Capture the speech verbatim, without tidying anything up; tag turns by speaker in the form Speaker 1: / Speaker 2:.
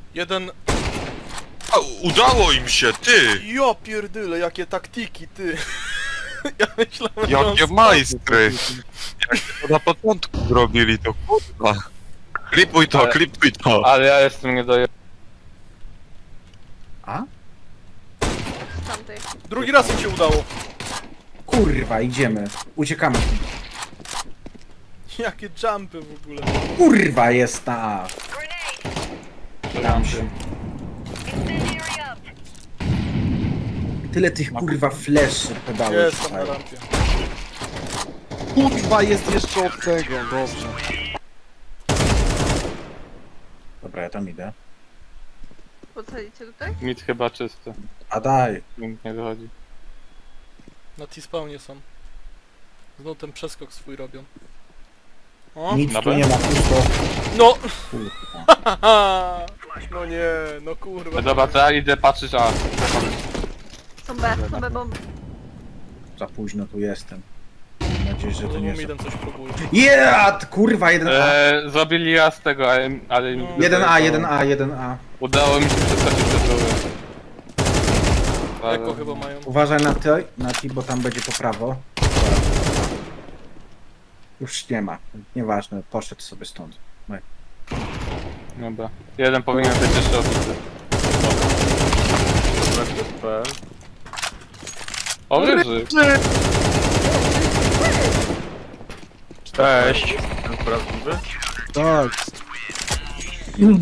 Speaker 1: Jeden...
Speaker 2: A, udało im się, ty!
Speaker 1: Jo pierdyle, jakie taktyki, ty! Ja myślałem, że on
Speaker 2: Jakie
Speaker 1: spadł.
Speaker 2: majstry! Jak to na początku zrobili, to kurwa. Klipuj to,
Speaker 3: Ale-
Speaker 2: klipuj to!
Speaker 3: Ale ja jestem nie doje...
Speaker 4: A?
Speaker 5: Tamtej.
Speaker 1: Drugi raz mi się udało.
Speaker 4: Kurwa, idziemy. Uciekamy.
Speaker 1: Jakie jumpy w ogóle.
Speaker 4: Kurwa, jest na A. Dam się. Tyle tych kurwa fleszy pedałów.
Speaker 1: Jestem na rampie.
Speaker 6: Kurwa, jest jeszcze od tego, dobrze.
Speaker 4: Dobra, ja tam idę.
Speaker 5: Podsadzicie tutaj?
Speaker 3: Mit chyba czysty.
Speaker 4: A daj.
Speaker 3: Nikt nie wychodzi.
Speaker 1: Na T-spawnie są. Znowu ten przeskok swój robią. O?
Speaker 4: Nic
Speaker 3: Na
Speaker 4: tu
Speaker 3: B?
Speaker 4: nie ma, pusto.
Speaker 1: No!
Speaker 4: Kurwa.
Speaker 1: Haha! No nie, no kurwa.
Speaker 3: No dobra, to ja idę patrzeć, a...
Speaker 5: Są B, są B bomby.
Speaker 4: Za późno tu jestem. Mam nadzieję, że to
Speaker 1: Znowu
Speaker 4: nie
Speaker 1: mi
Speaker 4: są.
Speaker 1: jeden coś próbuje.
Speaker 4: Yeah! Kurwa, jeden A.
Speaker 3: Eee, zrobili raz tego, ale... ale mi
Speaker 1: No.
Speaker 3: wydaje,
Speaker 4: jeden A,
Speaker 3: że
Speaker 4: jeden A, jeden A.
Speaker 3: Udało mi się przeskoczyć do tyłu.
Speaker 1: Eko chyba mają.
Speaker 4: Uważaj na ty, na ty, bo tam będzie po prawo. Już nie ma. Nieważne, poszedł sobie stąd.
Speaker 3: Dobra. Jeden powinien być jeszcze obity. O, ryży!
Speaker 2: Cześć!
Speaker 6: Tak.